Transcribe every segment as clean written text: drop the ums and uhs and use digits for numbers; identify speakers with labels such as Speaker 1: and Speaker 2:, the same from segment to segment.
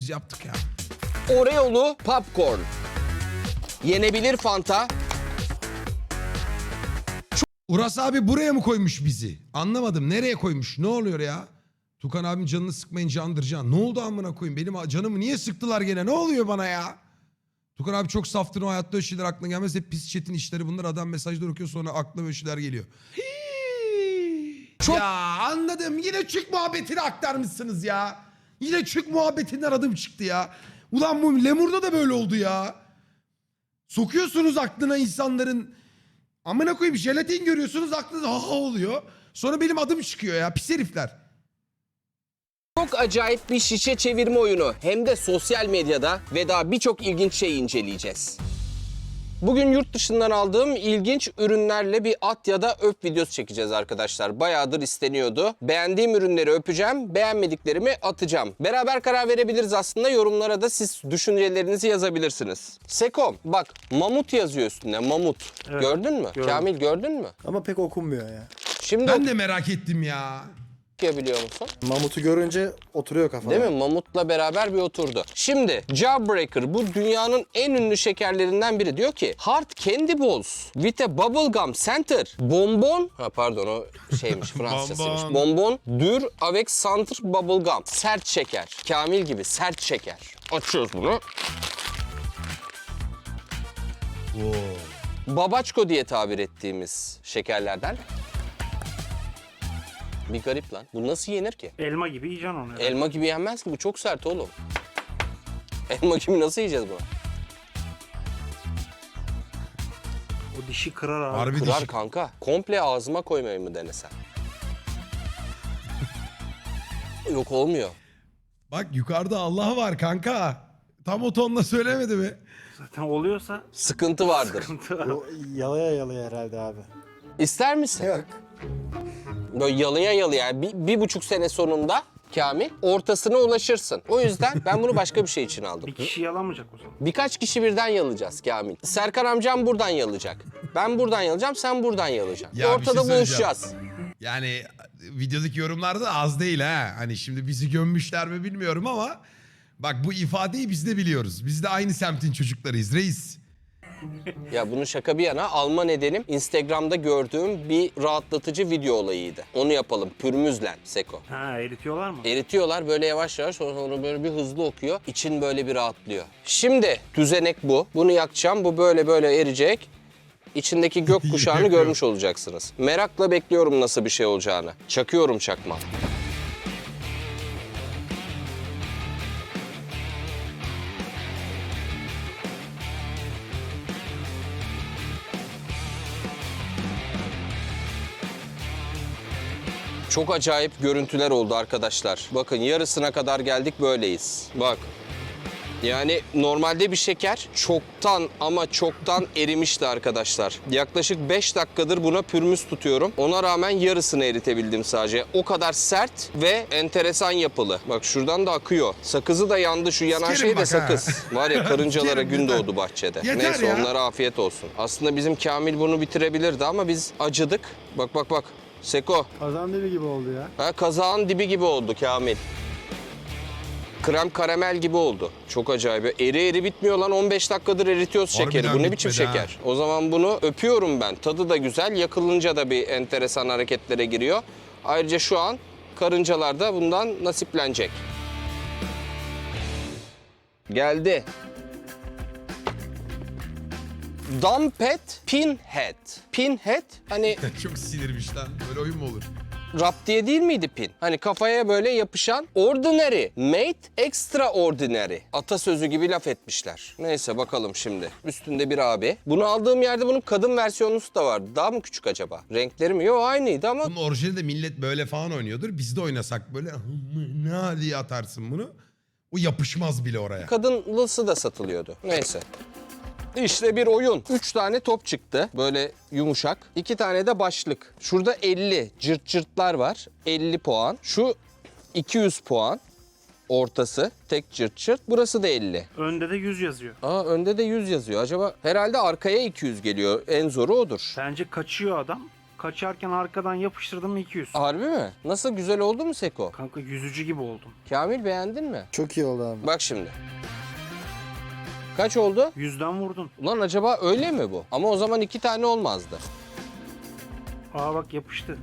Speaker 1: Biz yaptık ya.
Speaker 2: Oreo'lu popcorn. Yenebilir Fanta.
Speaker 1: Uras abi buraya mı koymuş bizi? Anlamadım. Nereye koymuş? Ne oluyor ya? Tukan abim canını sıkmayın candır. Ne oldu amına koyayım? Benim canımı niye sıktılar gene? Ne oluyor bana ya? Tukan abi çok saftır, o hayatta öyle şeyler aklına gelmez. Hep pis chat'in işleri bunlar. Adam mesajlar okuyor, sonra aklına böyle şeyler geliyor.
Speaker 2: Çok-
Speaker 1: Ya anladım. Yine çık muhabbetini aktarmışsınız ya. Yine çık muhabbetinden adım çıktı ya. Ulan bu Lemur'da da böyle oldu ya. Sokuyorsunuz aklına insanların. Amına koyayım, jelatin görüyorsunuz, aklınız ha oluyor. Sonra benim adım çıkıyor ya, pis herifler.
Speaker 2: Çok acayip bir şişe çevirme oyunu. Hem de sosyal medyada ve daha birçok ilginç şey inceleyeceğiz. Bugün yurt dışından aldığım ilginç ürünlerle bir at ya da öp videosu çekeceğiz arkadaşlar. Bayağıdır isteniyordu. Beğendiğim ürünleri öpeceğim, beğenmediklerimi atacağım. Beraber karar verebiliriz aslında. Yorumlara da siz düşüncelerinizi yazabilirsiniz. Sekom, bak mamut yazıyor üstünde, mamut.
Speaker 3: Evet,
Speaker 2: Gördün mü?
Speaker 3: gördüm.
Speaker 2: Kamil gördün mü?
Speaker 3: Ama pek okunmuyor ya.
Speaker 2: Şimdi
Speaker 1: Ben de merak ettim ya.
Speaker 2: okuyabiliyor musun?
Speaker 3: Mamutu görünce oturuyor kafana.
Speaker 2: Değil mi? Mamut'la beraber bir oturdu. Şimdi Jawbreaker, bu dünyanın en ünlü şekerlerinden biri. Diyor ki Hard Candy Balls with a bubblegum center. Bonbon, pardon o şeymiş Fransızcasıymış. Bonbon dur avec centre bubblegum. Sert şeker. Kamil gibi sert şeker. Açıyoruz bunu. Babaçko diye tabir ettiğimiz şekerlerden. Bir garip lan. Bu nasıl yenir ki?
Speaker 4: Elma gibi yiyeceksin onu. Yani.
Speaker 2: Elma gibi yenmez ki, bu çok sert oğlum. Elma gibi nasıl yiyeceğiz bunu?
Speaker 4: O dişi kırar abi.
Speaker 1: Harbi
Speaker 2: Kırar
Speaker 1: dişi.
Speaker 2: kanka. Komple ağzıma koymayı mı denesem? Yok olmuyor.
Speaker 1: Bak yukarıda Allah var kanka. Tam o tonla söylemedi mi?
Speaker 4: Zaten oluyorsa
Speaker 2: Sıkıntı vardır.
Speaker 4: sıkıntı var.
Speaker 3: O yalaya yalaya herhalde abi.
Speaker 2: İster misin?
Speaker 3: Yok.
Speaker 2: Böyle yalıya yalıya yani bir buçuk sene sonunda Kamil ortasına ulaşırsın. O yüzden ben bunu başka bir şey için aldım.
Speaker 4: Bir kişi yalamayacak o zaman.
Speaker 2: Birkaç kişi birden yalayacağız Kamil. Serkan amcam buradan yalayacak. Ben buradan yalayacağım, sen buradan yalayacaksın.
Speaker 1: Ya bir şey
Speaker 2: Ortada
Speaker 1: söyleyeceğim.
Speaker 2: buluşacağız.
Speaker 1: Yani videodaki yorumlarda da az değil ha. Hani şimdi bizi gömmüşler mi bilmiyorum ama bak bu ifadeyi biz de biliyoruz. Biz de aynı semtin çocuklarıyız reis.
Speaker 2: Ya bunu şaka bir yana alma nedenim Instagram'da gördüğüm bir rahatlatıcı video olayıydı. Onu yapalım pürmüzlen Seko.
Speaker 4: Ha eritiyorlar mı?
Speaker 2: Eritiyorlar böyle yavaş yavaş, sonra böyle bir hızlı okuyor. İçin böyle bir rahatlıyor. Şimdi düzenek bu. Bunu yakacağım. Bu böyle böyle eriyecek. İçindeki gök kuşağını görmüş olacaksınız. Merakla bekliyorum nasıl bir şey olacağını. Çakıyorum çakma. Çok acayip görüntüler oldu arkadaşlar. Bakın yarısına kadar geldik, böyleyiz. Bak. Yani normalde bir şeker çoktan ama çoktan erimişti arkadaşlar. Yaklaşık 5 dakikadır buna pürmüz tutuyorum. Ona rağmen yarısını eritebildim sadece. O kadar sert ve enteresan yapılı. Bak şuradan da akıyor. Sakızı da yandı, şu yanan
Speaker 1: Sikerim
Speaker 2: şey de
Speaker 1: bak ha.
Speaker 2: sakız. Var ya, karıncalara
Speaker 1: Sikerim,
Speaker 2: gün
Speaker 1: yeter.
Speaker 2: doğdu bahçede.
Speaker 1: Yeter
Speaker 2: Neyse
Speaker 1: ya.
Speaker 2: onlara afiyet olsun. Aslında bizim Kamil bunu bitirebilirdi ama biz acıdık. Bak bak bak. Seko.
Speaker 3: Kazan dibi gibi oldu ya.
Speaker 2: Ha, kazağın dibi gibi oldu Kamil. Krem karamel gibi oldu. Çok acayip. Eri eri bitmiyor lan. 15 dakikadır eritiyoruz
Speaker 1: Harbiden
Speaker 2: şekeri. Bu ne biçim
Speaker 1: bitmedi ha.
Speaker 2: şeker? O zaman bunu öpüyorum ben. Tadı da güzel. Yakılınca da bir enteresan hareketlere giriyor. Ayrıca şu an karıncalar da bundan nasiplenecek. Geldi. Dumpet Pinhead. Pinhead hani
Speaker 1: Çok sinirmiş lan. Böyle oyun mu olur?
Speaker 2: rap diye değil miydi pin? Hani kafaya böyle yapışan ordinary, made extraordinary. Atasözü gibi laf etmişler. Neyse bakalım şimdi. Üstünde bir abi. Bunu aldığım yerde bunun kadın versiyonu da vardı. Daha mı küçük acaba? Renkleri mi? Yok aynıydı ama
Speaker 1: Bunun orijinali de millet böyle falan oynuyordur. Biz de oynasak böyle ne diye atarsın bunu. O yapışmaz bile oraya.
Speaker 2: kadınlısı da satılıyordu. Neyse. İşte bir oyun. 3 tane top çıktı. Böyle yumuşak. 2 tane de başlık. Şurada 50 cırt cırtlar var. 50 puan. Şu 200 puan. Ortası tek cırt cırt. Burası da 50.
Speaker 4: Önde de 100 yazıyor.
Speaker 2: Aa, önde de 100 yazıyor. Acaba herhalde arkaya 200 geliyor. En zoru odur.
Speaker 4: Bence kaçıyor adam. Kaçarken arkadan yapıştırdım 200.
Speaker 2: Harbi mi? Nasıl, güzel oldu mu Seko?
Speaker 4: Kanka yüzücü gibi oldum.
Speaker 2: Kamil beğendin mi?
Speaker 3: Çok iyi oldu abi.
Speaker 2: Bak şimdi. Kaç oldu?
Speaker 4: 100'den vurdun.
Speaker 2: Ulan acaba öyle mi bu? Ama o zaman 2 tane olmazdı.
Speaker 4: Aa bak yapıştı.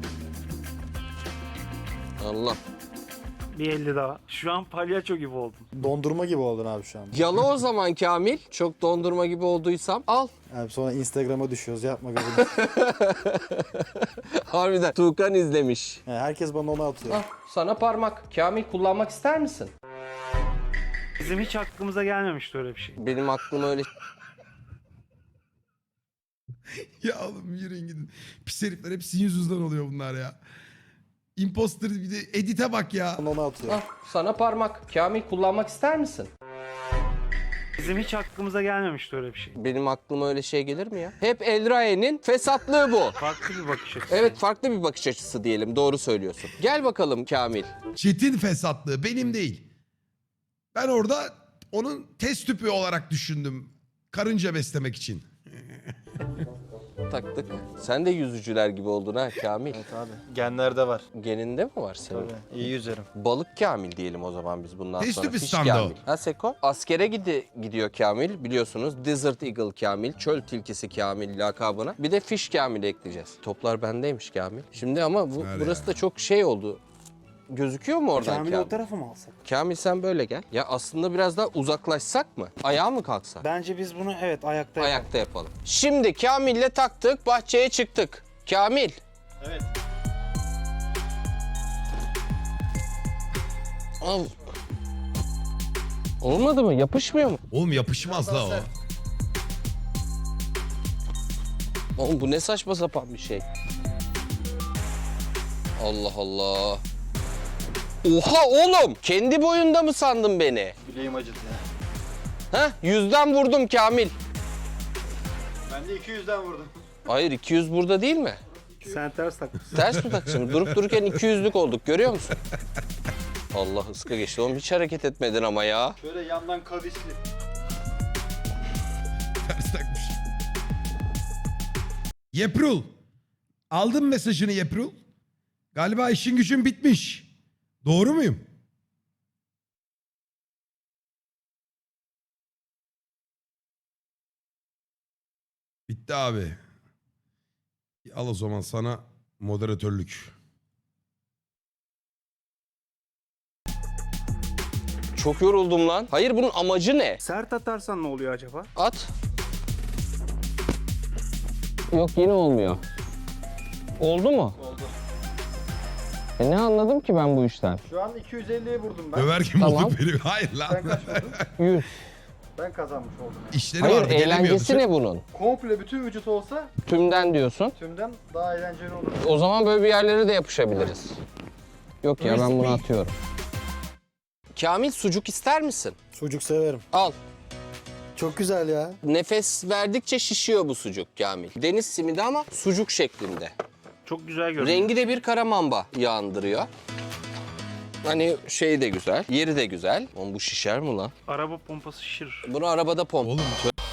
Speaker 2: Allah.
Speaker 4: Bir 50 daha. Şu an palyaço gibi oldum.
Speaker 3: Dondurma gibi oldun abi şu an.
Speaker 2: Yala o zaman Kamil. Çok dondurma gibi olduysam al.
Speaker 3: Abi sonra Instagram'a düşüyoruz, yapma gözünü.
Speaker 2: Harbiden Tuğkan izlemiş.
Speaker 3: Yani herkes bana onu atıyor.
Speaker 2: Al sana parmak. Kamil, kullanmak ister misin?
Speaker 4: Bizim hiç aklımıza gelmemişti öyle bir şey.
Speaker 2: Benim aklıma öyle...
Speaker 1: Ya oğlum yürüyün gidin. Pis herifler hep sizin yüzünüzden oluyor bunlar ya. Imposter bir de edite bak ya.
Speaker 3: Bana onu atıyor.
Speaker 2: Al sana parmak. Kamil, kullanmak ister misin?
Speaker 4: Bizim hiç aklımıza gelmemişti öyle bir şey.
Speaker 2: Benim aklıma öyle şey gelir mi ya? Hep Elrae'nin fesatlığı bu.
Speaker 4: Farklı bir bakış açısı.
Speaker 2: Evet, farklı bir bakış açısı diyelim. Doğru söylüyorsun. Gel bakalım Kamil.
Speaker 1: Çetin fesatlığı benim değil. Ben orada onun test tüpü olarak düşündüm. Karınca beslemek için.
Speaker 2: Taktık. Sen de yüzücüler gibi oldun ha Kamil.
Speaker 3: Evet abi. Genlerde var.
Speaker 2: Geninde mi var senin?
Speaker 3: Tabii. İyi yüzerim.
Speaker 2: Balık Kamil diyelim o zaman biz bundan
Speaker 1: Test
Speaker 2: sonra.
Speaker 1: tüpü
Speaker 2: Fiş
Speaker 1: standı o.
Speaker 2: Kamil. Ha Seko? Askere gidiyor Kamil biliyorsunuz. Desert Eagle Kamil, çöl tilkisi Kamil lakabına. Bir de Fiş Kamil ekleyeceğiz. Toplar bendeymiş Kamil. Şimdi ama
Speaker 1: Ver
Speaker 2: burası
Speaker 1: ya.
Speaker 2: da çok şey oldu. Gözüküyor mu oradan
Speaker 4: Kamil'i
Speaker 2: Kamil?
Speaker 4: o tarafa mı alsak?
Speaker 2: Kamil sen böyle gel. Ya aslında biraz daha uzaklaşsak mı? Ayağa mı kalksak?
Speaker 4: Bence biz bunu evet ayakta yapalım.
Speaker 2: Ayakta yapalım. Şimdi Kamil'le taktık, bahçeye çıktık. Kamil.
Speaker 3: Evet.
Speaker 2: Al. Olmadı mı? Yapışmıyor mu?
Speaker 1: Oğlum yapışmaz la o.
Speaker 2: Oğlum bu ne saçma sapan bir şey. Allah Allah. Oha oğlum! Kendi boyunda mı sandın beni?
Speaker 3: Bileğim acıdı ya.
Speaker 2: Heh, 100'den vurdum Kamil.
Speaker 3: Ben de 200'den vurdum.
Speaker 2: Hayır, 200 burada değil mi?
Speaker 4: Sen ters takmışsın.
Speaker 2: Ters mi takmışım? Durup dururken 200'lük olduk, görüyor musun? Allah, ıska geçti. Oğlum hiç hareket etmedin ama ya.
Speaker 3: Şöyle yandan kavisli.
Speaker 1: Ters takmış. Yeprul. Aldın mesajını Yeprul. Galiba işin gücün bitmiş. Doğru muyum? Bitti abi. Al o zaman sana moderatörlük.
Speaker 2: Çok yoruldum lan. Hayır, bunun amacı ne?
Speaker 4: Sert atarsan ne oluyor acaba?
Speaker 2: At. Yok, yine olmuyor. Oldu mu?
Speaker 3: Oldu.
Speaker 2: Ne anladım ki ben bu işten?
Speaker 3: Şu an 250'ye vurdum ben.
Speaker 1: Ömer kim
Speaker 2: Tamam.
Speaker 1: oldu benim? Hayır lan.
Speaker 3: Sen kaç vurdun?
Speaker 2: 100.
Speaker 3: Ben kazanmış oldum. Yani.
Speaker 1: İşleri
Speaker 2: Hayır,
Speaker 1: vardı gelemiyordu.
Speaker 2: eğlencesi ne bunun?
Speaker 3: Komple bütün vücut olsa
Speaker 2: Tümden diyorsun.
Speaker 3: tümden daha eğlenceli olur.
Speaker 2: O zaman böyle bir yerlere de yapışabiliriz. Yok ya, ben bunu atıyorum. Kamil, sucuk ister misin?
Speaker 3: Sucuk severim.
Speaker 2: Al.
Speaker 3: Çok güzel ya.
Speaker 2: Nefes verdikçe şişiyor bu sucuk Kamil. Deniz simidi ama sucuk şeklinde.
Speaker 4: Çok güzel görünüyor.
Speaker 2: Rengi de bir karamamba yağındırıyor. Hani şey de güzel, yeri de güzel. Oğlum bu şişer mi lan?
Speaker 4: Araba pompası şişirir.
Speaker 2: Bunu arabada pompa.
Speaker 1: Oğlum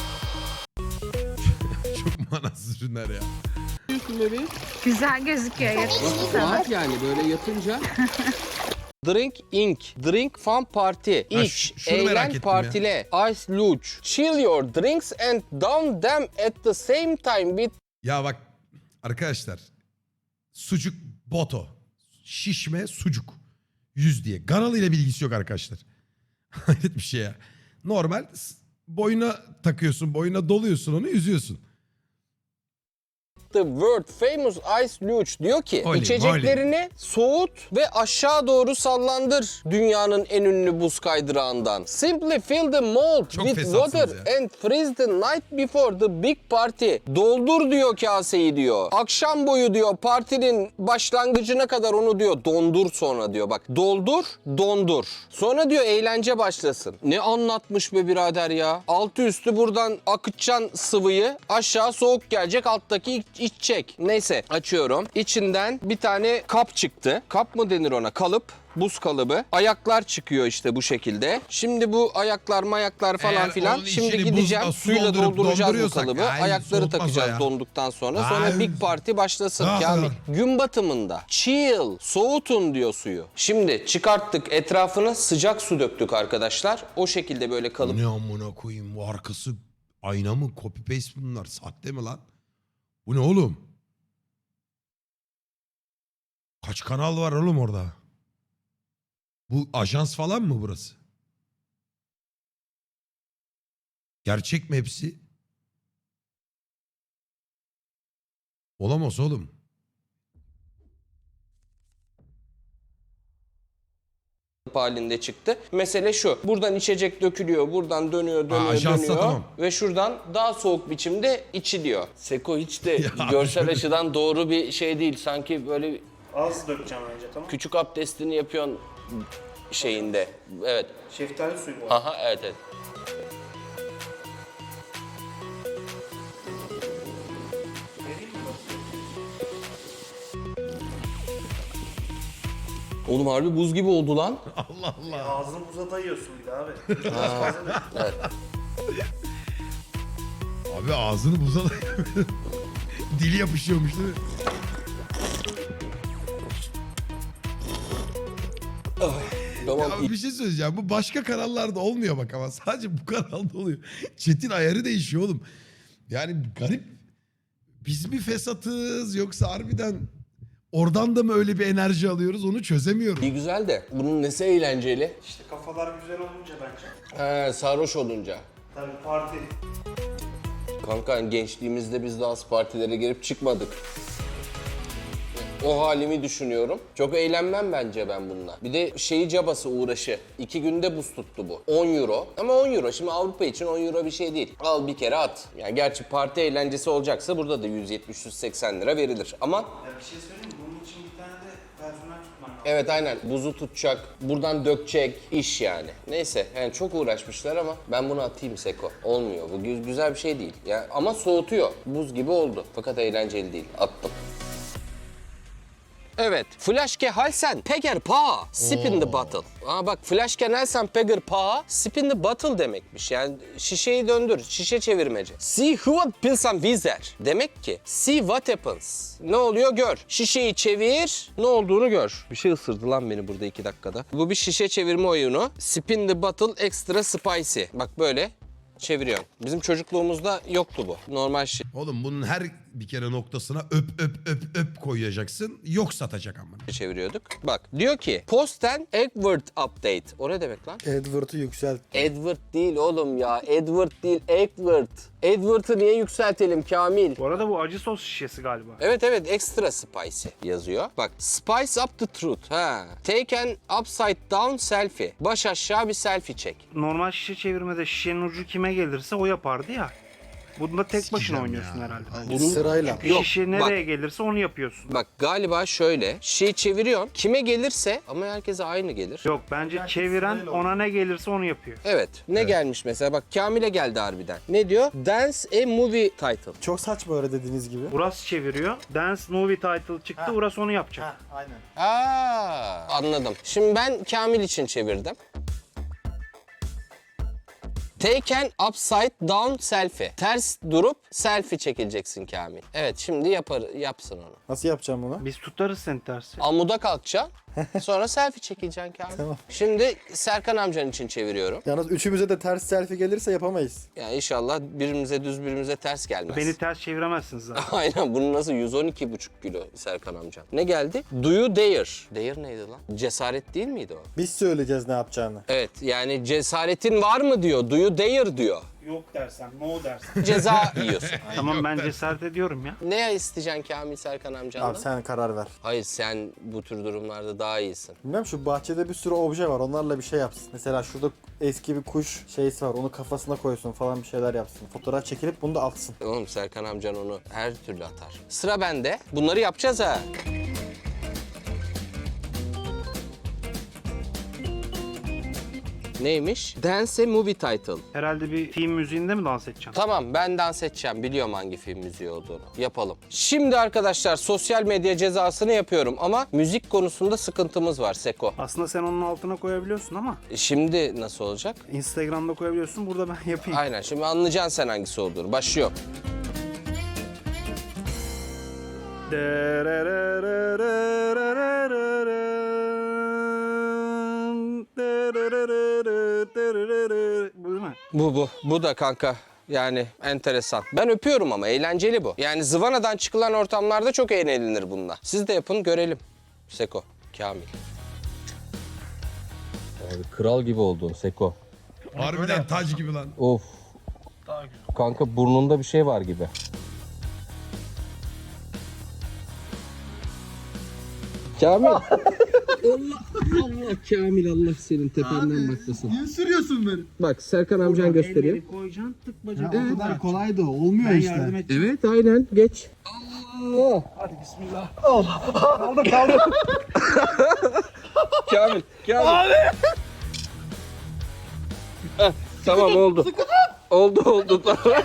Speaker 1: çok manasız ürünler ya.
Speaker 5: Güzel gözüküyor. Yakıştı sana.
Speaker 2: Yani böyle yapınca. Drink Inc. Drink Fun Party. İç,
Speaker 1: şunu merak
Speaker 2: eğlen,
Speaker 1: ettim
Speaker 2: partile. Ice luge. Chill your drinks and down them at the same time with...
Speaker 1: Ya bak arkadaşlar. Sucuk boto. Şişme sucuk. 100 diye. Ganalı ile bilgisi yok arkadaşlar. Hayret bir şey ya. Normal boyuna takıyorsun. Boyuna doluyorsun onu yüzüyorsun.
Speaker 2: The world famous ice luge diyor ki
Speaker 1: Oley,
Speaker 2: içeceklerini soğut ve aşağı doğru sallandır dünyanın en ünlü buz kaydırağından. Simply fill the mold
Speaker 1: Çok
Speaker 2: with
Speaker 1: fesatsınız
Speaker 2: water
Speaker 1: ya.
Speaker 2: and freeze the night before the big party. Doldur diyor kaseyi diyor. Akşam boyu diyor partinin başlangıcına kadar onu diyor dondur sonra diyor. Bak doldur, dondur. Sonra diyor eğlence başlasın. Ne anlatmış be birader ya. Altı üstü buradan akıtacaksın sıvıyı. Aşağı soğuk gelecek, alttaki içecek. Neyse açıyorum. İçinden bir tane kap çıktı. Kap mı denir ona? Kalıp. buz kalıbı. Ayaklar çıkıyor işte bu şekilde. Şimdi bu ayaklar mayaklar falan
Speaker 1: Eğer
Speaker 2: filan.
Speaker 1: onun
Speaker 2: Şimdi
Speaker 1: içini
Speaker 2: gideceğim
Speaker 1: buzla su
Speaker 2: suyla
Speaker 1: doldurup
Speaker 2: dolduracağız bu
Speaker 1: donduruyorsak,
Speaker 2: kalıbı.
Speaker 1: ay,
Speaker 2: Ayakları
Speaker 1: soğutmaz o
Speaker 2: takacağız
Speaker 1: ya.
Speaker 2: donduktan sonra.
Speaker 1: Ay.
Speaker 2: Sonra Big Party başlasın
Speaker 1: Ah.
Speaker 2: Kamil. Gün batımında chill, soğutun diyor suyu. Şimdi çıkarttık, etrafına sıcak su döktük arkadaşlar. O şekilde böyle kalıp
Speaker 1: Ne amına koyayım, bu arkası ayna mı, copy paste bunlar, sahte mi lan? Bu ne oğlum? Kaç kanal var oğlum orada? Bu ajans falan mı burası? Gerçek mi hepsi? Olamaz oğlum.
Speaker 2: halinde çıktı. Mesele şu. Buradan içecek dökülüyor. Buradan dönüyor,
Speaker 1: ajansa
Speaker 2: dönüyor.
Speaker 1: tamam.
Speaker 2: Ve şuradan daha soğuk biçimde içiliyor. Seko hiç de
Speaker 1: Ya
Speaker 2: görsel
Speaker 1: şöyle-
Speaker 2: açıdan doğru bir şey değil. Sanki böyle
Speaker 4: Az dökeceğim önce, tamam.
Speaker 2: küçük abdestini yapıyorsun şeyinde. Evet.
Speaker 4: Şeftali suyu bu.
Speaker 2: Aha evet evet. Oğlum harbi buz gibi oldu lan.
Speaker 1: Allah Allah.
Speaker 4: Ağzını buza dayıyorsun bir de abi.
Speaker 2: Evet.
Speaker 1: Abi ağzını buza dili yapışıyormuş değil mi?
Speaker 2: Tamam.
Speaker 1: Ya bir şey söyleyeceğim. Bu başka kanallarda olmuyor bak ama sadece bu kanalda oluyor. Chat'in ayarı değişiyor oğlum. Yani garip. Biz mi fesatız yoksa harbiden oradan da mı öyle bir enerji alıyoruz onu çözemiyorum.
Speaker 2: İyi güzel de bunun nesi eğlenceli?
Speaker 4: İşte kafalar güzel olunca bence.
Speaker 2: He, sarhoş olunca.
Speaker 4: Tabii parti.
Speaker 2: Kanka gençliğimizde biz de az partilere girip çıkmadık. O halimi düşünüyorum. Çok eğlenmem bence ben bununla. Bir de şeyi cabası uğraşı. 2 günde buz tuttu bu. 10 euro. Ama 10 euro. Şimdi Avrupa için 10 euro bir şey değil. Al bir kere at. Yani gerçi parti eğlencesi olacaksa burada da 170-180 lira verilir. Ama
Speaker 4: Ya bir şey söyleyeyim mi? Bunun için bir tane de personel tutman lazım.
Speaker 2: evet aynen buzu tutacak, buradan dökecek iş yani. Neyse yani çok uğraşmışlar ama ben bunu atayım Seko. Olmuyor. Bu güzel bir şey değil. Ya ama soğutuyor. Buz gibi oldu. Fakat eğlenceli değil. Attım. Evet. Flaske halsen peger pa. Sip in the bottle. Aa bak flaske halsen peger pa. Sip in the bottle demekmiş. Yani şişeyi döndür. Şişe çevirmece. See what pilsam vizer. Demek ki see what happens. Ne oluyor gör. Şişeyi çevir. Ne olduğunu gör. Bir şey ısırdı lan beni burada 2 dakikada. Bu bir şişe çevirme oyunu. Sip in the bottle extra spicy. Bak böyle çeviriyorsun. Bizim çocukluğumuzda yoktu bu. Normal şey.
Speaker 1: Oğlum bunun her bir kere noktasına öp koyacaksın. Yok satacak ama.
Speaker 2: Çeviriyorduk. Bak diyor ki Posten Edward Update. O ne demek lan?
Speaker 3: Edward'ı yükselt.
Speaker 2: Edward değil oğlum ya. Edward değil Edward. Edward'ı niye yükseltelim Kamil?
Speaker 4: Bu arada bu acı sos şişesi galiba.
Speaker 2: Evet evet extra spicy yazıyor. Bak spice up the truth. Ha. Take an upside down selfie. Baş aşağı bir selfie çek.
Speaker 4: Normal şişe çevirmede şişenin ucu kime gelirse o yapardı ya. Bunda tek başına
Speaker 1: Sikeceğim
Speaker 4: oynuyorsun
Speaker 1: ya.
Speaker 4: herhalde.
Speaker 3: Sırayla.
Speaker 2: Yok,
Speaker 4: Şişe nereye gelirse onu yapıyorsun.
Speaker 2: Bak galiba şöyle. Şeyi çeviriyorsun. Kime gelirse ama herkese aynı gelir.
Speaker 4: Yok bence çeviren ona ne gelirse onu yapıyor.
Speaker 2: Evet. Ne gelmiş mesela? Bak Kamil'e geldi harbiden. Ne diyor? Dance a movie title.
Speaker 3: Çok saçma öyle dediğiniz gibi.
Speaker 4: Uras çeviriyor. Dance movie title çıktı. Uras onu yapacak.
Speaker 3: Aynen.
Speaker 2: Aa, anladım. Şimdi ben Kamil için çevirdim. Take an upside down selfie. Ters durup selfie çekileceksin Kamil. Evet şimdi yapsın onu.
Speaker 3: Nasıl yapacağım bunu?
Speaker 4: Biz tutarız seni tersi.
Speaker 2: Amuda kalkacaksın. Sonra selfie çekeceksin Kamil.
Speaker 3: Tamam.
Speaker 2: Şimdi Serkan amcan için çeviriyorum.
Speaker 3: Yalnız üçümüze de ters selfie gelirse yapamayız.
Speaker 2: Yani inşallah birimize düz birimize ters gelmez.
Speaker 4: Beni ters çeviremezsiniz zaten.
Speaker 2: Aynen bunun nasıl 112,5 kilo Serkan amcan. Ne geldi? Do you dare? Dare neydi lan? Cesaret değil miydi o?
Speaker 3: Biz söyleyeceğiz ne yapacağını.
Speaker 2: Evet yani cesaretin var mı diyor. Do you dare diyor.
Speaker 4: Yok dersen, no dersen.
Speaker 2: Ceza yiyorsun.
Speaker 4: Tamam ben cesaret ediyorum ya.
Speaker 2: Ne isteyeceksin Kamil Serkan amcandan?
Speaker 3: Abi sen karar ver.
Speaker 2: Hayır sen bu tür durumlarda daha iyisin.
Speaker 3: Bilmem şu bahçede bir sürü obje var. Onlarla bir şey yapsın. Mesela şurada eski bir kuş şeysi var. Onu kafasına koysun falan bir şeyler yapsın. Fotoğraf çekilip bunu da atsın.
Speaker 2: Oğlum Serkan amcan onu her türlü atar. Sıra bende. Bunları yapacağız ha. Neymiş? Dance a movie title.
Speaker 4: Herhalde bir film müziğinde mi dans edeceksin?
Speaker 2: Tamam, ben dans edeceğim. Biliyorum hangi film müziği olduğunu. Yapalım. Şimdi arkadaşlar sosyal medya cezasını yapıyorum ama müzik konusunda sıkıntımız var Seko.
Speaker 4: Aslında sen onun altına koyabiliyorsun ama
Speaker 2: Şimdi nasıl olacak?
Speaker 4: Instagram'da koyabiliyorsun. Burada ben yapayım.
Speaker 2: Aynen, şimdi anlayacaksın sen hangisi olduğunu. Başlıyor.
Speaker 4: Bu değil mi?
Speaker 2: Bu da kanka. Yani enteresan. Ben öpüyorum ama eğlenceli bu. Yani zıvanadan çıkılan ortamlarda çok eğlenilir bununla. Siz de yapın görelim. Seko, Kamil. Abi kral gibi oldun Seko.
Speaker 1: Harbiden tac gibi lan.
Speaker 2: Of. Kanka burnunda bir şey var gibi. Kamil. Allah Kamil, Allah senin tependen baklasın.
Speaker 3: Niye sürüyorsun beni?
Speaker 2: Bak Serkan amcan gösteriyor.
Speaker 4: Elleri koyacaksın, tık bacak.
Speaker 3: O kadar kolay da olmuyor
Speaker 4: Ben
Speaker 3: işte.
Speaker 4: yardım edeceğim.
Speaker 2: Evet aynen geç. Allah.
Speaker 4: Hadi bismillah.
Speaker 2: Kamil. Kamil. Heh, tamam oldu. Oldu tamam.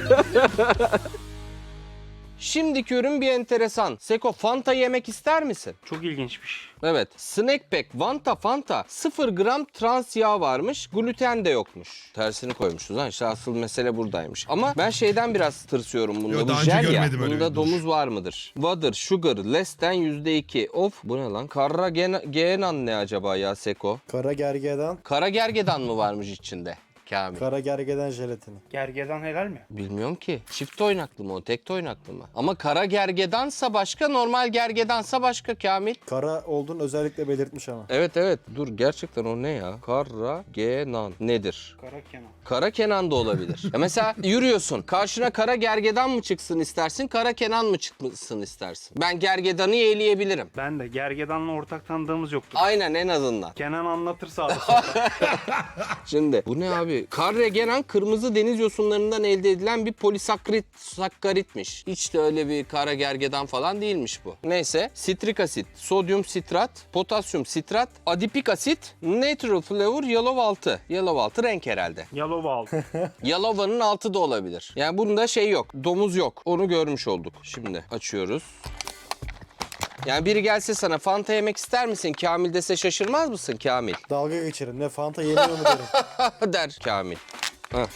Speaker 2: Şimdiki ürün bir enteresan. Seko, Fanta yemek ister misin?
Speaker 4: Çok ilginçmiş.
Speaker 2: Evet. Snack Pack Fanta 0 gram trans yağ varmış. Gluten de yokmuş. Tersini koymuşuz ha. İşte asıl mesele buradaymış. Ama ben şeyden biraz tırsıyorum bunda.
Speaker 1: Yo,
Speaker 2: Bu
Speaker 1: daha önce
Speaker 2: jel ya.
Speaker 1: görmedim öyle
Speaker 2: Bunda
Speaker 1: bir
Speaker 2: domuz var mıdır? Water, sugar, less than %2. Of, bu ne lan? Genan ne acaba ya Seko?
Speaker 3: Kara gergedan,
Speaker 2: Kara gergedan mı varmış içinde? Kamil.
Speaker 3: kara gergedan jelatini.
Speaker 4: Gergedan helal mi?
Speaker 2: Bilmiyorum ki. Çift oynaklı mı o? Tek oynaklı mı? Ama kara gergedansa başka, normal gergedansa başka Kamil.
Speaker 3: Kara olduğunu özellikle belirtmiş ama.
Speaker 2: Evet. Dur gerçekten o ne ya? Kara genan nedir?
Speaker 4: Kara Kenan.
Speaker 2: Kara Kenan da olabilir. Ya mesela yürüyorsun. Karşına kara gergedan mı çıksın istersin? Kara Kenan mı çıksın istersin? Ben gergedanı yeğleyebilirim.
Speaker 4: Ben de Gergedan'la ortak tanıdığımız yoktu.
Speaker 2: Aynen, en azından.
Speaker 4: Kenan anlatır sağda solda.
Speaker 2: Şimdi bu ne abi? Karregenan kırmızı deniz yosunlarından elde edilen bir polisakkaritmiş. Hiç de öyle bir kara gergedan falan değilmiş bu. Neyse, sitrik asit, sodyum sitrat, potasyum sitrat, adipik asit, natural flavor, yellow altı. Yellow altı renk herhalde.
Speaker 4: Yalova aldı.
Speaker 2: Yalova'nın altı da olabilir. Yani bunda şey yok, domuz yok. Onu görmüş olduk. Şimdi açıyoruz. Yani biri gelse sana Fanta yemek ister misin Kamil dese şaşırmaz mısın Kamil?
Speaker 3: Dalga geçerim. Ne Fanta yemiyor mu derim.
Speaker 2: Der Kamil. Heh.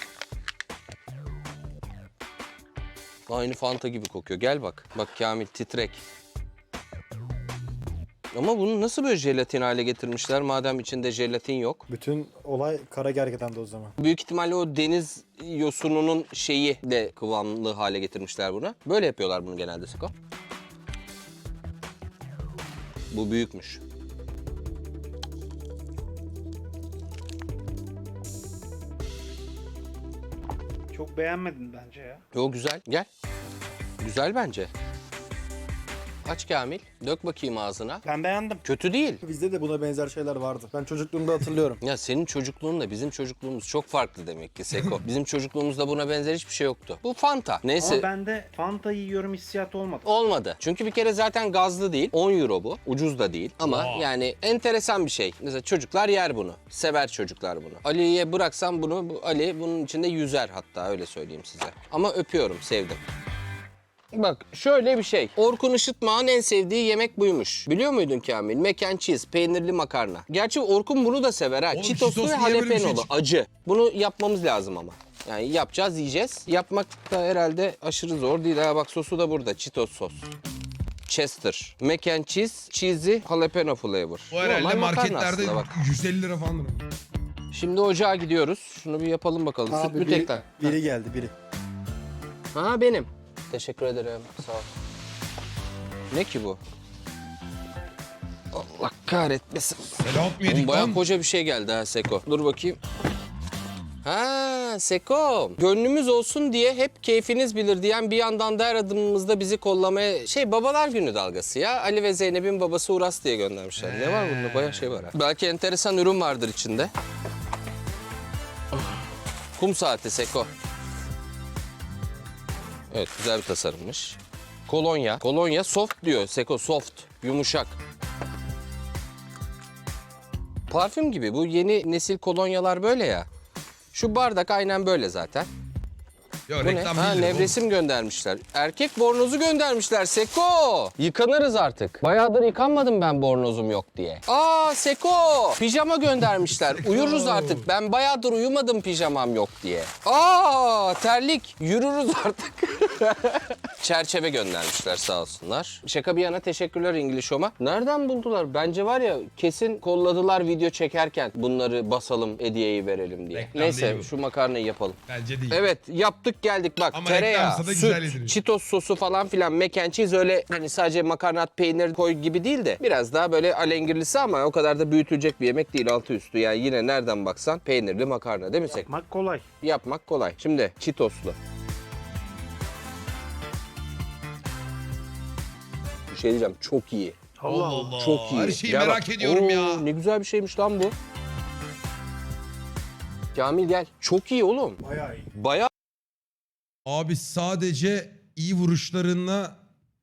Speaker 2: Aynı Fanta gibi kokuyor. Gel bak. Bak Kamil titrek. Ama bunu nasıl böyle jelatin hale getirmişler madem içinde jelatin yok?
Speaker 3: Bütün olay kara gergedan'da o zaman.
Speaker 2: Büyük ihtimalle o deniz yosununun şeyi de kıvamlı hale getirmişler bunu. Böyle yapıyorlar bunu genelde Seko. Bu büyükmüş.
Speaker 4: Çok beğenmedin bence ya.
Speaker 2: Yo güzel. Gel. Güzel bence. Aç Kamil. Dök bakayım ağzına.
Speaker 4: Ben beğendim.
Speaker 2: Kötü değil.
Speaker 3: Bizde de buna benzer şeyler vardı. Ben çocukluğumda hatırlıyorum.
Speaker 2: Ya senin çocukluğunla bizim çocukluğumuz çok farklı demek ki Seko. Bizim çocukluğumuzda buna benzer hiçbir şey yoktu. Bu Fanta. Neyse.
Speaker 4: Ama bende Fanta yiyorum hissiyatı olmadı.
Speaker 2: Olmadı. Çünkü bir kere zaten gazlı değil. 10 euro bu. Ucuz da değil. Ama yani enteresan bir şey. Mesela çocuklar yer bunu. Sever çocuklar bunu. Ali'ye bıraksam bunu, Ali bunun içinde yüzer hatta, öyle söyleyeyim size. Ama öpüyorum, sevdim. Bak şöyle bir şey. Orkun Işıtmak'ın en sevdiği yemek buymuş. Biliyor muydun Kamil? Mac and cheese, peynirli makarna. Gerçi Orkun bunu da sever ha.
Speaker 1: Oğlum,
Speaker 2: Cheetoslu ve
Speaker 1: Cheetos'lu niye böyle bir şey
Speaker 2: jalapenolu,
Speaker 1: çıktı?
Speaker 2: acı. Bunu yapmamız lazım ama. Yani yapacağız, yiyeceğiz. Yapmak da herhalde aşırı zor değil. Ha bak sosu da burada. Cheetos sos. Chester. Mac and cheese, cheesy jalapeno flavor.
Speaker 1: O herhalde
Speaker 2: Normal makarna
Speaker 1: marketlerde
Speaker 2: aslında bak.
Speaker 1: 150 lira falan.
Speaker 2: Şimdi ocağa gidiyoruz. Şunu bir yapalım bakalım. Süt mü tekrar?
Speaker 3: biri geldi biri.
Speaker 2: Ha benim. Teşekkür ederim. Sağ ol. Ne ki bu? Allah kahretmesin.
Speaker 1: Selam
Speaker 2: Oğlum
Speaker 1: yedik
Speaker 2: bayağı
Speaker 1: lan.
Speaker 2: koca bir şey geldi ha Seko. Dur bakayım. Ha Seko. Gönlümüz olsun diye hep keyfiniz bilir diyen bir yandan da her adımımızda bizi kollamaya... Babalar günü dalgası ya. Ali ve Zeynep'in babası Uras diye göndermişler. Ne var bunda? Bayağı şey var ha. Belki enteresan ürün vardır içinde. Kum saati Seko. Evet, güzel bir tasarımmış. Kolonya. Kolonya soft diyor Seko, soft. Yumuşak. Parfüm gibi. Bu yeni nesil kolonyalar böyle ya. Şu bardak aynen böyle zaten.
Speaker 1: Yo,
Speaker 2: Bu ne?
Speaker 1: reklam
Speaker 2: Ha,
Speaker 1: değil.
Speaker 2: nevresim göndermişler. Erkek bornozu göndermişler Seko. Yıkanırız artık. Bayağıdır yıkanmadım ben bornozum yok diye. Aa Seko. Pijama göndermişler.
Speaker 1: Seko.
Speaker 2: Uyuruz artık. Ben bayağıdır uyumadım pijamam yok diye. Aa terlik. Yürürüz artık. Çerçeve göndermişler sağ olsunlar. Şaka bir yana teşekkürler İngiliz Home'a. Nereden buldular? Bence var ya kesin kolladılar video çekerken bunları basalım hediyeyi verelim diye.
Speaker 1: Reklam değil
Speaker 2: Neyse
Speaker 1: bu.
Speaker 2: şu makarnayı yapalım.
Speaker 1: Bence değil.
Speaker 2: Evet yaptık geldik bak
Speaker 1: Ama
Speaker 2: tereyağı,
Speaker 1: reklamsa da güzel
Speaker 2: süt,
Speaker 1: yediriyor.
Speaker 2: Cheetos sosu falan filan mac and cheese öyle hani sadece makarnat peynir koy gibi değil de biraz daha böyle alengirlisi ama o kadar da büyütülecek bir yemek değil altı üstü. Yani yine nereden baksan peynirli makarna değil mi Sek?
Speaker 4: Yapmak kolay.
Speaker 2: Yapmak kolay. Şimdi Cheetos'lu. Bir şey diyeceğim çok iyi.
Speaker 4: Allah Allah.
Speaker 2: Çok iyi.
Speaker 1: Her şeyi
Speaker 2: Gel
Speaker 1: merak
Speaker 2: bak.
Speaker 1: ediyorum
Speaker 2: Oo,
Speaker 1: ya.
Speaker 2: Ne güzel bir şeymiş lan bu. Kamil gel. Çok iyi oğlum.
Speaker 4: Bayağı iyi.
Speaker 2: Bayağı
Speaker 1: Abi sadece iyi vuruşlarınla...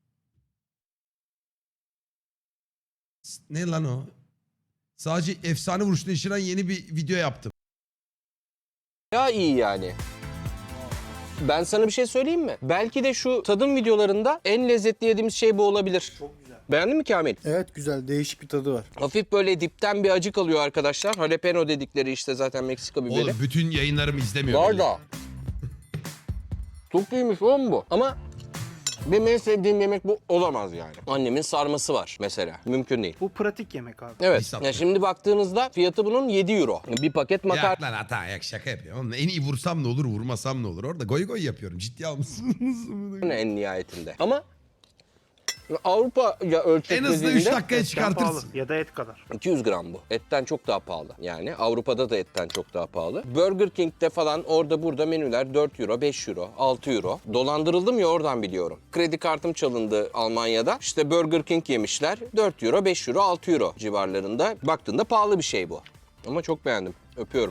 Speaker 1: Ne lan o? Sadece efsane vuruşla işlenen yeni bir video yaptım.
Speaker 2: iyi yani. Ben sana bir şey söyleyeyim mi? Belki de şu tadım videolarında en lezzetli yediğimiz şey bu olabilir.
Speaker 4: Çok güzel.
Speaker 2: Beğendin mi Kamil?
Speaker 3: Evet güzel, değişik bir tadı var.
Speaker 2: Hafif böyle dipten bir acı kalıyor arkadaşlar. Jalapeno dedikleri işte zaten Meksika biberi.
Speaker 1: Oğlum bütün yayınlarımı izlemiyor.
Speaker 2: Var
Speaker 1: belli.
Speaker 2: da. Çok iyiymiş oğlum bu. Ama benim en sevdiğim yemek bu olamaz yani. Annemin sarması var mesela. Mümkün değil.
Speaker 4: Bu pratik yemek abi.
Speaker 2: Evet.
Speaker 1: İsat
Speaker 2: Ya
Speaker 1: ya.
Speaker 2: şimdi baktığınızda fiyatı bunun 7 euro. Bir paket makarna.
Speaker 1: Yak lan hata yak şaka yapıyorum. Oğlum, en iyi vursam ne olur vurmasam ne olur. Orada goy goy yapıyorum. Ciddi almışsınız.
Speaker 2: En nihayetinde. Ama Avrupa ya
Speaker 1: En
Speaker 2: ölçekli
Speaker 1: hızlı 3 dakikaya
Speaker 4: Etten pahalı.
Speaker 1: çıkartırsın.
Speaker 4: Ya da et kadar.
Speaker 2: 200 gram bu. Etten çok daha pahalı. Yani Avrupa'da da etten çok daha pahalı. Burger King'de falan orada burada menüler 4 euro, 5 euro, 6 euro. Dolandırıldım ya oradan biliyorum. Kredi kartım çalındı Almanya'da. İşte Burger King yemişler. 4 euro, 5 euro, 6 euro civarlarında. Baktığında pahalı bir şey bu. Ama çok beğendim. Öpüyorum.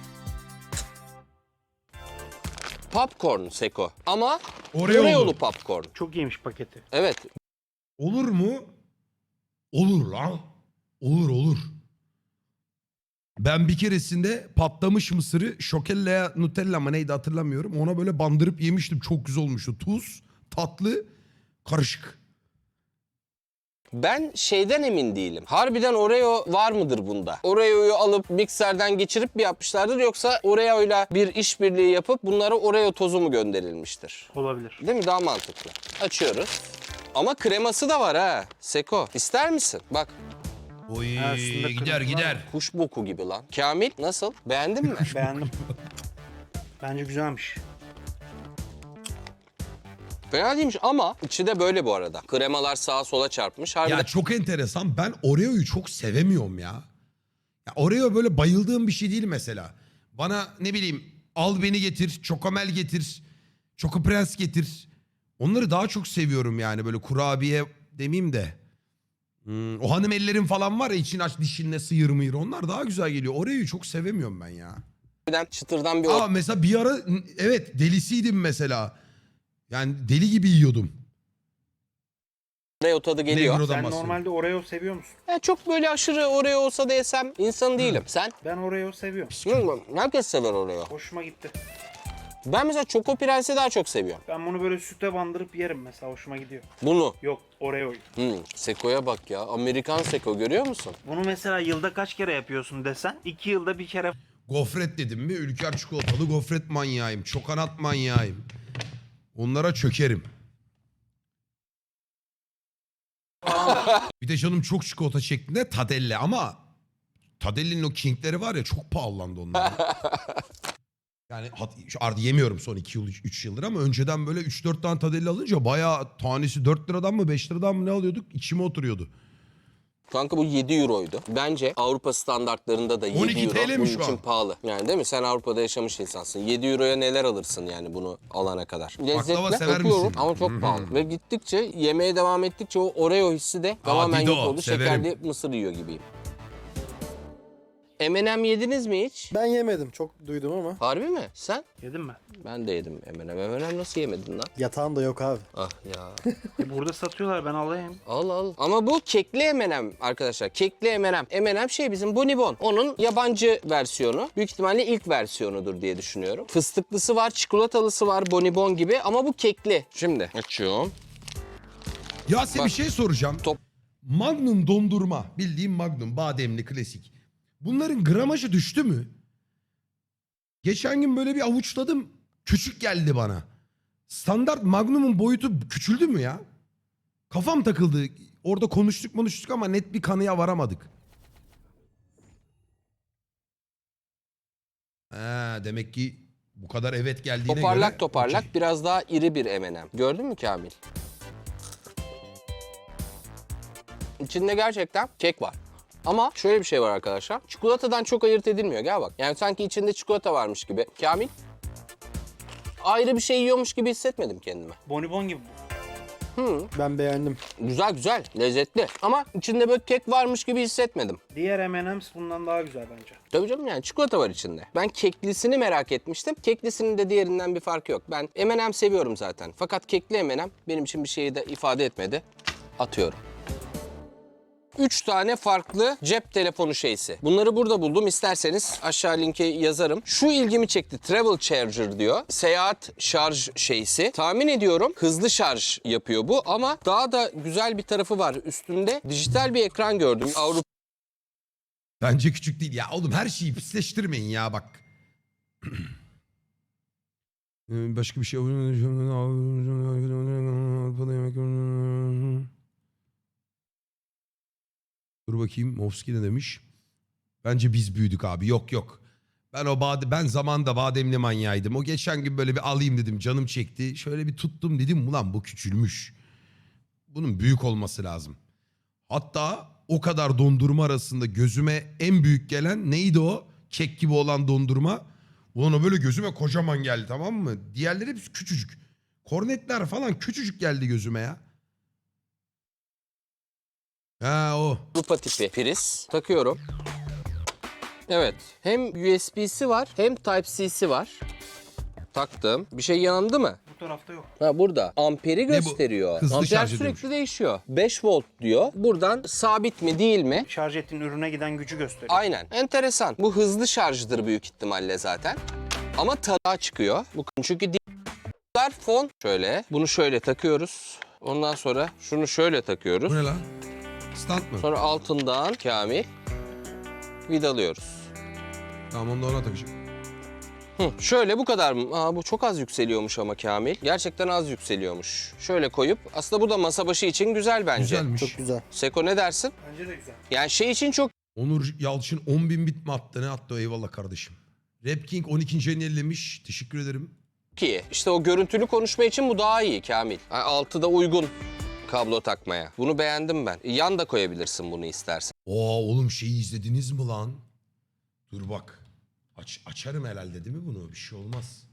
Speaker 2: Popcorn Seko. Ama
Speaker 1: Oreo'lu.
Speaker 2: Oreo'lu popcorn.
Speaker 4: Çok iyiymiş paketi.
Speaker 2: Evet.
Speaker 1: Olur mu? Olur lan. Olur. Ben bir keresinde patlamış mısırı şokella Nutella mı neydi hatırlamıyorum. Ona böyle bandırıp yemiştim. Çok güzel olmuştu. Tuz, tatlı, karışık.
Speaker 2: Ben şeyden emin değilim. Harbiden Oreo var mıdır bunda? Oreo'yu alıp mikserden geçirip mi yapmışlardır yoksa Oreo'yla bir işbirliği yapıp bunlara Oreo tozu mu gönderilmiştir?
Speaker 4: Olabilir.
Speaker 2: Değil mi? Daha mantıklı. Açıyoruz. Ama kreması da var ha. Seko, ister misin? Bak,
Speaker 1: Oy
Speaker 4: Aslında
Speaker 1: gider
Speaker 4: kırmızı
Speaker 1: gider.
Speaker 2: kuş boku gibi lan. Kamil, nasıl? Beğendin mi?
Speaker 4: Beğendim. Bence güzelmiş.
Speaker 2: Fena değilmiş ama içi de böyle bu arada. Kremalar sağa sola çarpmış. Harbiden
Speaker 1: Ya çok enteresan. Ben Oreo'yu çok sevemiyorum ya. Ya Oreo böyle bayıldığım bir şey değil mesela. Bana ne bileyim al beni getir, Çokomel getir, Çoko Prens getir. Onları daha çok seviyorum yani böyle kurabiye demeyeyim de. O hanım ellerin falan var ya için aç dişinle sıyır mıyır onlar daha güzel geliyor. Oreo'yu çok sevemiyorum ben ya.
Speaker 2: çıtırdan bir
Speaker 1: Aa mesela bir ara evet delisiydim mesela. Yani deli gibi yiyordum.
Speaker 2: Oreo tadı geliyor.
Speaker 1: Negro'dan
Speaker 4: Sen
Speaker 1: bahsediyorum.
Speaker 4: normalde Oreo seviyor musun?
Speaker 2: Ya çok böyle aşırı Oreo olsa da yesem insan değilim. Sen?
Speaker 4: Ben Oreo seviyorum.
Speaker 2: Bilmiyorum, herkes sever Oreo.
Speaker 4: Hoşuma gitti.
Speaker 2: Ben mesela Choco Prens'i daha çok seviyorum.
Speaker 4: Ben bunu böyle süte bandırıp yerim mesela. Hoşuma gidiyor.
Speaker 2: Bunu.
Speaker 4: Yok, Oreo'yu.
Speaker 2: Seko'ya bak ya. Amerikan Seko görüyor musun?
Speaker 4: Bunu mesela yılda kaç kere yapıyorsun desen 2 yılda bir kere
Speaker 1: Gofret dedim mi Ülker çikolatalı gofret manyağıyım. Çokanat manyağıyım. Onlara çökerim. Bir de canım çok çikolata şeklinde Tadelle ama Tadelle'nin o King'leri var ya çok pahalandı onlar. Yani artık yemiyorum son 2 yıl 3 yıldır ama önceden böyle 3-4 tane Tadelle alınca bayağı tanesi 4 liradan mı 5 liradan mı ne alıyorduk içime oturuyordu.
Speaker 2: Kanka bu 7 euroydu. Bence Avrupa standartlarında da 7
Speaker 1: 12
Speaker 2: euro
Speaker 1: TL mi
Speaker 2: bunun
Speaker 1: şu
Speaker 2: için
Speaker 1: an?
Speaker 2: pahalı. Yani değil mi? Sen Avrupa'da yaşamış insansın. 7 euroya neler alırsın yani bunu alana kadar. Lezzetli
Speaker 1: sever
Speaker 2: öpüyorum
Speaker 1: misin?
Speaker 2: ama çok pahalı. Ve gittikçe yemeye devam ettikçe o Oreo hissi de tamamen
Speaker 1: Dido,
Speaker 2: yok oldu.
Speaker 1: severim.
Speaker 2: Şekerli mısır yiyor gibiyim. M&M yediniz mi hiç?
Speaker 3: Ben yemedim. Çok duydum ama.
Speaker 2: Harbi mi? Sen?
Speaker 4: Yedin mi?
Speaker 2: Ben de yedim M&M. M&M nasıl yemedin lan?
Speaker 3: Yatağın da yok abi.
Speaker 2: Ah ya.
Speaker 4: Burada satıyorlar, ben alayım.
Speaker 2: Al al. Ama bu kekli M&M arkadaşlar. Kekli M&M. M&M şey bizim Bonibon. Onun yabancı versiyonu. Büyük ihtimalle ilk versiyonudur diye düşünüyorum. Fıstıklısı var, çikolatalısı var Bonibon gibi ama bu kekli. Şimdi açıyorum.
Speaker 1: Ya size bir
Speaker 2: Bak.
Speaker 1: şey soracağım.
Speaker 2: Top.
Speaker 1: Magnum dondurma. Bildiğim Magnum. Bademli klasik. Bunların gramajı düştü mü? Geçen gün böyle bir avuçladım. Küçük geldi bana. Standart Magnum'un boyutu küçüldü mü ya? Kafam takıldı. Orada konuştuk ama net bir kanıya varamadık. Demek ki bu kadar evet geldiğine
Speaker 2: Toparlak
Speaker 1: göre...
Speaker 2: toparlak
Speaker 1: okey.
Speaker 2: biraz daha iri bir M&M. Gördün mü Kamil? İçinde gerçekten kek var. Ama şöyle bir şey var arkadaşlar. Çikolatadan çok ayırt edilmiyor. Gel bak. Yani sanki içinde çikolata varmış gibi. Kamil? Ayrı bir şey yiyormuş gibi hissetmedim kendime.
Speaker 4: Bonibon gibi.
Speaker 3: Ben beğendim.
Speaker 2: Güzel güzel, lezzetli. Ama içinde böyle kek varmış gibi hissetmedim.
Speaker 4: Diğer M&M's bundan daha güzel bence.
Speaker 2: Tabii canım yani çikolata var içinde. Ben keklisini merak etmiştim. Keklisinin de diğerinden bir farkı yok. Ben M&M seviyorum zaten. Fakat kekli M&M benim için bir şeyi de ifade etmedi. Atıyorum. 3 tane farklı cep telefonu şeysi. Bunları burada buldum. İsterseniz aşağı linke yazarım. Şu ilgimi çekti. Travel Charger diyor. Seyahat şarj şeysi. Tahmin ediyorum hızlı şarj yapıyor bu ama daha da güzel bir tarafı var. Üstünde dijital bir ekran gördüm. Avrupa
Speaker 1: Bence küçük değil. Ya oğlum her şeyi pisleştirmeyin ya bak. Başka bir şey... Dur bakayım Movski ne demiş? Bence biz büyüdük abi. Yok yok. Ben zamanında bademli manyağıydım. O geçen gün böyle bir alayım dedim. Canım çekti. Şöyle bir tuttum dedim. Ulan bu küçülmüş. Bunun büyük olması lazım. Hatta o kadar dondurma arasında gözüme en büyük gelen neydi o? Kek gibi olan dondurma. Ulan o böyle gözüme kocaman geldi, tamam mı? Diğerleri hepsi küçücük. Kornetler falan küçücük geldi gözüme ya. Ha o.
Speaker 2: tipi priz takıyorum. Evet. Hem USB'si var hem Type-C'si var. Taktım. Bir şey yandı mı?
Speaker 4: Bu tarafta yok.
Speaker 2: Ha burada. Amperi
Speaker 1: bu?
Speaker 2: gösteriyor.
Speaker 1: Hızlı
Speaker 2: Amper
Speaker 1: şarj
Speaker 2: sürekli
Speaker 1: ediyormuş.
Speaker 2: değişiyor. 5 volt diyor. Buradan sabit mi değil mi?
Speaker 4: Şarj ettiğin ürüne giden gücü gösteriyor.
Speaker 2: Aynen. Enteresan. Bu hızlı şarjdır büyük ihtimalle zaten. Ama tarağa çıkıyor. Bu çünkü diğer fon şöyle. Bunu şöyle takıyoruz. Ondan sonra şunu şöyle takıyoruz.
Speaker 1: Bu ne lan? Stand mı?
Speaker 2: Sonra altından Kamil vidalıyoruz.
Speaker 1: Tamam onu da ona takacağım.
Speaker 2: Şöyle bu kadar mı? Aa, bu çok az yükseliyormuş ama Kamil. Gerçekten az yükseliyormuş. Şöyle koyup aslında bu da masa başı için güzel bence.
Speaker 1: Güzelmiş.
Speaker 3: Çok güzel.
Speaker 2: Seko ne dersin?
Speaker 4: Bence de güzel.
Speaker 2: Yani şey için çok
Speaker 1: Onur Yalçın 10.000 bit mi attı? Ne attı? Eyvallah kardeşim. Rap King 12. ayını ellemiş. Teşekkür ederim.
Speaker 2: iyi. İşte o görüntülü konuşma için bu daha iyi Kamil. Yani altı da uygun kablo takmaya. Bunu beğendim ben. Yan da koyabilirsin bunu istersen.
Speaker 1: Oğlum şeyi izlediniz mi lan? Dur bak. Açarım herhalde değil mi bunu? Bir şey olmaz.